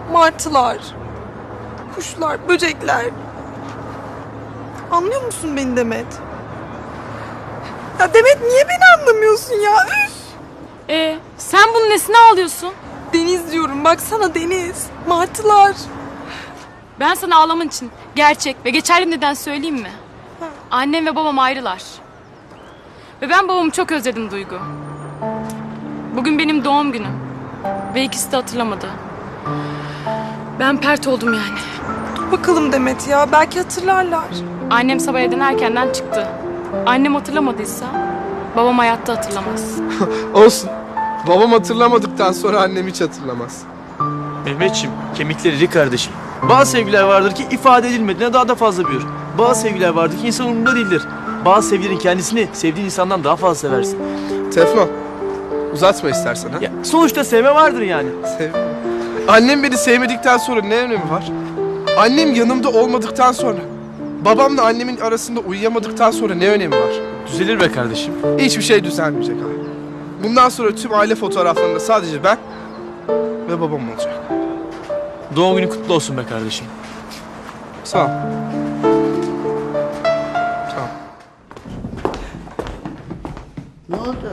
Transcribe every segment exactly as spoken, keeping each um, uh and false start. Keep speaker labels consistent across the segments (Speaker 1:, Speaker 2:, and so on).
Speaker 1: martılar, kuşlar, böcekler. Anlıyor musun beni Demet? Ya Demet niye beni anlamıyorsun ya? Üf!
Speaker 2: Ee, sen bunun nesine ağlıyorsun?
Speaker 1: Deniz diyorum, baksana deniz, martılar.
Speaker 2: Ben sana ağlaman için gerçek ve geçerli neden söyleyeyim mi? Annem ve babam ayrılar. Ve ben babamı çok özledim Duygu. Bugün benim doğum günüm. Ve ikisi de hatırlamadı. Ben pert oldum yani.
Speaker 1: Dur bakalım Demet ya, belki hatırlarlar.
Speaker 2: Annem sabah evden erkenden çıktı. Annem hatırlamadıysa babam hayatta hatırlamaz.
Speaker 3: Olsun. Babam hatırlamadıktan sonra annem hiç hatırlamaz.
Speaker 4: Mehmetciğim, kemikleri iri kardeşim. Bazı sevgiler vardır ki ifade edilmediğine daha da fazla büyür. Bazı sevgiler vardır ki insan umurunda değildir. Bazı sevgilerin kendisini sevdiğin insandan daha fazla seversin.
Speaker 3: Teflon. Uzatma istersen ha.
Speaker 4: Ya, sonuçta sevme vardır yani.
Speaker 3: Sev. Annem beni sevmedikten sonra ne önemi var? Annem yanımda olmadıktan sonra, babamla annemin arasında uyuyamadıktan sonra ne önemi var?
Speaker 4: Düzelir be kardeşim.
Speaker 3: Hiçbir şey düzelmeyecek abi. Bundan sonra tüm aile fotoğraflarında sadece ben ve babam olacak.
Speaker 4: Doğum günü kutlu olsun be kardeşim.
Speaker 3: Sağ ol. Sağ ol.
Speaker 5: Ne oldu?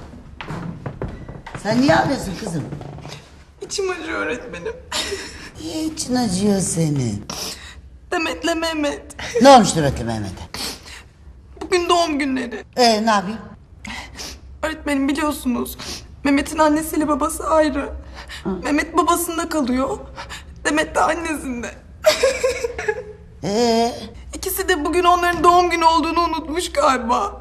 Speaker 5: Sen niye ağlıyorsun kızım?
Speaker 1: İçim acıyor öğretmenim.
Speaker 5: Niye için acıyor senin?
Speaker 1: Demet'le Mehmet.
Speaker 5: Ne olmuş Demet'le Mehmet'e?
Speaker 1: Bugün doğum günleri.
Speaker 5: Ee ne yapayım?
Speaker 1: Öğretmenim biliyorsunuz, Mehmet'in annesiyle babası ayrı. Mehmet babasında kalıyor. Demet de annesinde.
Speaker 5: Ee,
Speaker 1: İkisi de bugün onların doğum günü olduğunu unutmuş galiba.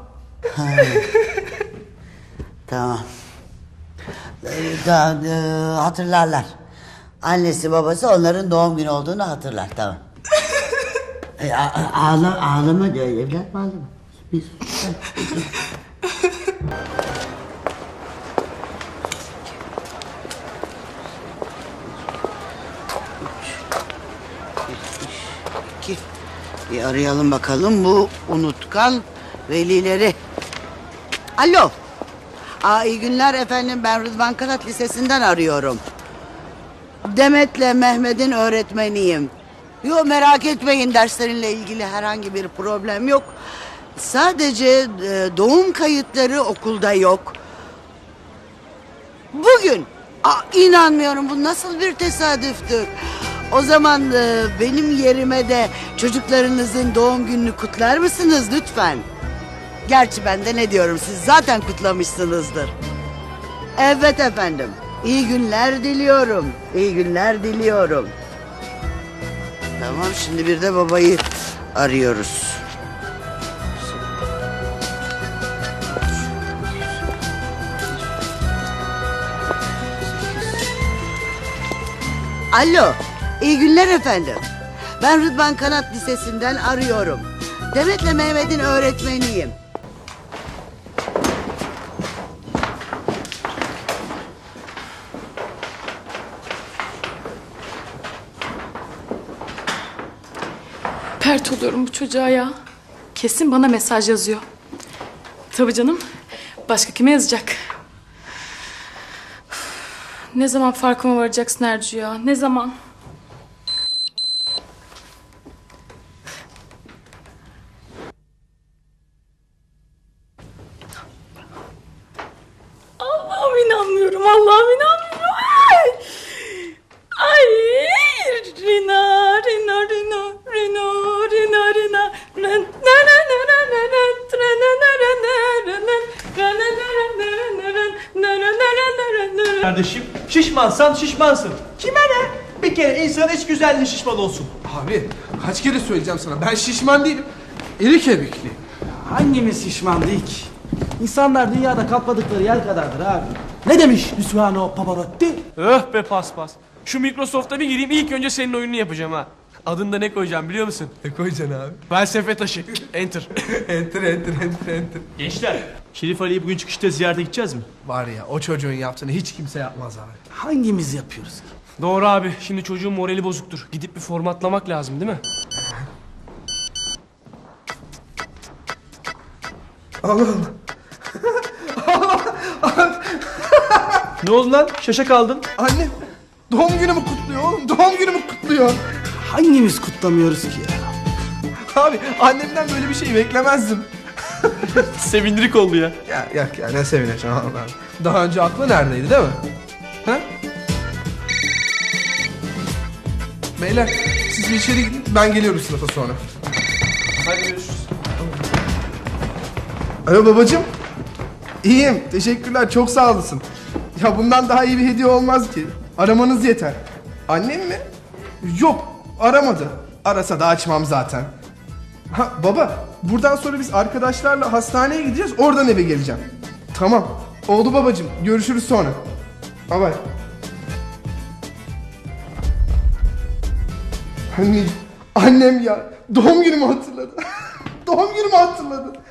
Speaker 5: tamam. Ee, da, e, hatırlarlar. Annesi babası onların doğum günü olduğunu hatırlar tamam. ee, a- a- ağla, ağlama diyor evlat ağlama. Bir sus. İki. Bir arayalım bakalım bu unutkan velileri. Alo. Aa, iyi günler efendim, ben Rıdvan Kanat Lisesi'nden arıyorum. Demet'le Mehmet'in öğretmeniyim. Yok merak etmeyin, derslerinle ilgili herhangi bir problem yok. Sadece e, doğum kayıtları okulda yok. Bugün. Aa, inanmıyorum, bu nasıl bir tesadüftür. O zaman e, benim yerime de çocuklarınızın doğum gününü kutlar mısınız lütfen? Gerçi ben de ne diyorum, siz zaten kutlamışsınızdır. Evet efendim. İyi günler diliyorum. İyi günler diliyorum. Tamam, şimdi bir de babayı arıyoruz. Alo, iyi günler efendim. Ben Rıdvan Kanat Lisesi'nden arıyorum. Demet'le Mehmet'in öğretmeniyim.
Speaker 2: Pert oluyorum bu çocuğa ya. Kesin bana mesaj yazıyor. Tabii canım. Başka kime yazacak? Ne zaman farkıma varacaksın Ercü ya? Ne zaman? Allah'ım inanmıyorum. Allah'ım inanmıyorum. Ay! Ay! Rina, Rina, Rina, Rina, Rina, Rina. Na, na, na, na, na, na, na, tra, na, na, na, na, na, na, ra, na, na, na, na, na, na, na, na, na, na, na.
Speaker 4: Kardeşim, şişmansan şişmansın. Kime ne? Bir kere insan hiç güzelliği şişman olsun.
Speaker 3: Abi kaç kere söyleyeceğim sana, ben şişman değilim. İri kemikliyim.
Speaker 6: Hangimiz şişman değil ki? İnsanlar dünyada kapladıkları yer kadardır abi. Ne demiş Luciano Pavarotti?
Speaker 7: Öh be paspas. Şu Microsoft'a bir gireyim, ilk önce senin oyununu yapacağım ha. Adını da ne koyacağım biliyor musun?
Speaker 3: Ne koyacaksın abi?
Speaker 7: Felsefe taşı. Enter.
Speaker 3: Enter enter enter enter.
Speaker 4: Gençler, Şerif Ali'yi bugün çıkışta ziyarete gideceğiz mi?
Speaker 3: Var ya, o çocuğun yaptığını hiç kimse yapmaz abi.
Speaker 6: Hangimiz yapıyoruz ki?
Speaker 7: Doğru abi. Şimdi çocuğun morali bozuktur. Gidip bir formatlamak lazım değil mi?
Speaker 3: Allah Allah.
Speaker 4: Ne oldu lan? Şaşa kaldın.
Speaker 3: Annem. Doğum günümü kutluyor oğlum. Doğum günümü kutluyor.
Speaker 6: Hangimiz kutlamıyoruz ki ya?
Speaker 3: Abi annemden böyle bir şey beklemezdim.
Speaker 7: Sevindirik oldu ya.
Speaker 3: Ya yok ya ne sevineceğim Allah. Daha önce aklı neredeydi değil mi? Ha? Beyler siz bir içeri gidin, ben geliyorum sınıfa sonra.
Speaker 7: Hadi görüşürüz.
Speaker 3: Alo babacığım. İyiyim teşekkürler çok sağ olasın. Ya bundan daha iyi bir hediye olmaz ki. Aramanız yeter. Annem mi? Yok aramadı. Arasa da açmam zaten. Ha baba buradan sonra biz arkadaşlarla hastaneye gideceğiz, oradan eve geleceğim. Tamam oldu babacığım, görüşürüz sonra. Bye bye. Anne, annem ya doğum günümü hatırladı. Doğum günümü hatırladı.